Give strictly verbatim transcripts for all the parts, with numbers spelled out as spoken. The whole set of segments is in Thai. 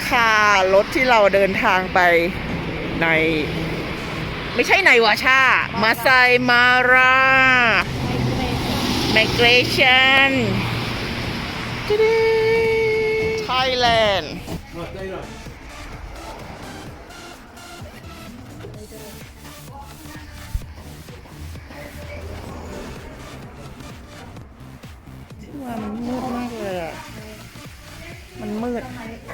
ค่ะรถที่เราเดินทางไปในไม่ใช่ในวาชามาไซมาราไมเกรชั่นไทยแลนด์ที่ว่ามันมืดมากเลยอ่ะมันมืด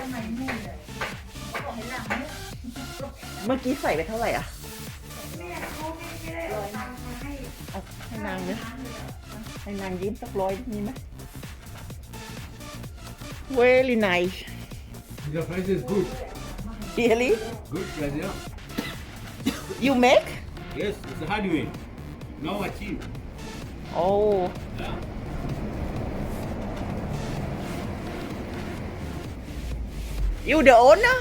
เมื่อกี้ใส่ไปเท่าไหร่อ่ะเอาให้นางเนี่ยให้นางยิ้มสักร้อยมีไหม Very nice The price is good. Really Good price, yeah. You make Yes, it's a hard way. Now achieve. Oh Yeah. You the owner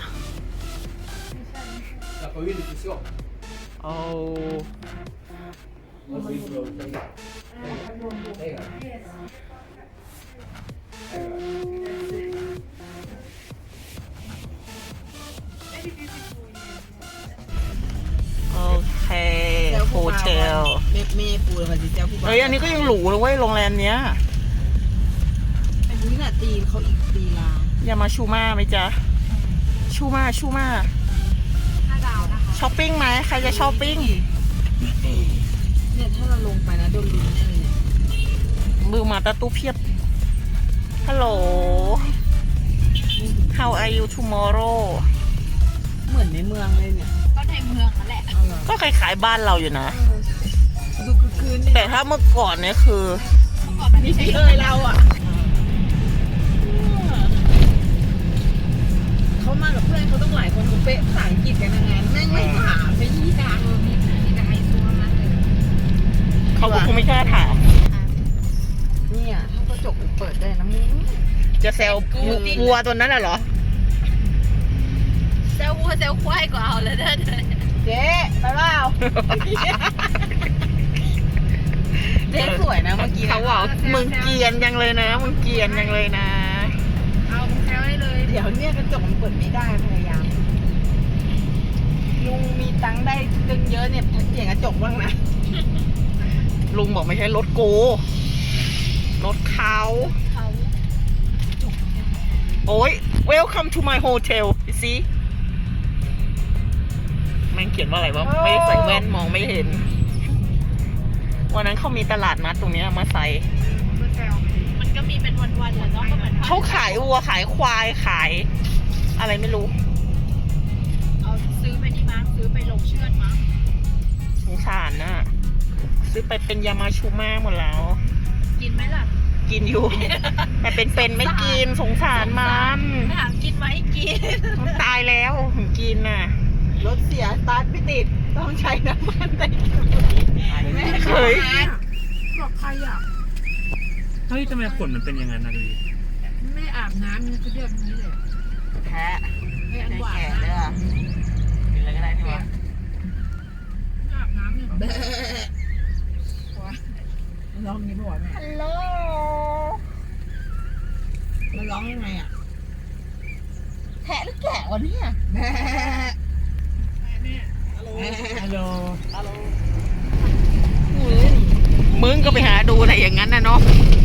The community shop. Oh What's this, bro? Take it. โอเคโฮเทลเมเมปูเลยค่ะจิเจ้าผู้บ่าวเฮ้ยอันนี้ก็ยังหรูเลยเว้ยโรงแรมเนี้ยอันนี้น่ะตีเขาอีกตีลาอย่ามาชูมาไหมจ๊ะชูมาชูมาห้าดาวนะคะช้อปปิ้งไหมใครจะช้อปปิ้งเนี่ยถ้าเราลงไปนะโดนลิ้นแน่เลยเนี่ยมือมาตะตู้เพียบฮัลโหล How are you tomorrow เหมือนในเมืองเลยเนี่ยก็ในเมืองนั่นแหละเอาเหรอก็คล้ายๆบ้านเราอยู่นะดูคือคืนนี่แต่ถ้าเมื่อก่อนเนี่ยคือก่อนมันไม่ใช่เลยเราอ่ะเขามากับเพื่อนเขาต้องหลายคนเขาเป๊ะภาษาอังกฤษกันยังไงแม่งไม่ถามไม่ยี่ดังมีมีแต่ไฮโซมากเลยเขาก็คงไม่กล้าถามเนี่ยถ้ากระจกเปิดได้นะมึงจะแซววัวตัวนั้นน่ะเหรอเซลวัวเซลควายก็เอาเลยเด้อเจ๊ไปเปล่าเจ๊สวยนะเมื่อกี้เขาบอกมึงเกรียนยังเลยนะมึงเกรียนยังเลยนะเอาแซวให้เลยเดี๋ยวเนี่ยกระจกมันเปิดไม่ได้พยายามลุงมีตังค์ได้ตึงเยอะเนี่ยเปลี่ยนกระจกบ้างนะลุงบอกไม่ใช่รถกูรถเขาเขาโอ้ย welcome to my hotel you see แม่งเขียนว่าอะไรวะไม่ได้ใส่แว่นมองไม่เห็น วันนั้นเขามีตลาดนัดตรงเนี้ยมาใส่ก็แซวมันก็มีเป็นวันๆแหละเนาะก็เหมือนเขาขายวัวขายควายขาย อะไรไม่รู้เอาซื้อไปนี่มั้งซื้อไปลงเชือดมั้งสงสารน่ะ ซื้อไปเป็นยามาชูมาหมดแล้วกินไหมล่ะกินอยู่ แต่เป็นเป็นไม่กินสงสารมันไม่ถามกินไหมกินมันตายแล้วถึงกินน่ะรถเสียสตาร์ทไม่ติดต้องใช้น้ำมันแต่แม่เฮ้ยบอกใครอ่ะเฮ้ยทำไมขนมันเป็นอย่างนั้นนะดูดิไม่อาบน้ำมันก็เรียบนี้เลยแพ้ไม่อันหวานแก่นะเลยอ่ะกินอะไรก็ได้นี่วะอาบน้ำเนี่ยมันร้องอย่างนี้ป่ะวะแม่ฮัลโหลมันร้องยังไงอ่ะแพะหรือแกะวะเนี่ยแม่ฮัลโหลมึงก็ไปหาดูอะไรอย่างนั้นนะเนาะเ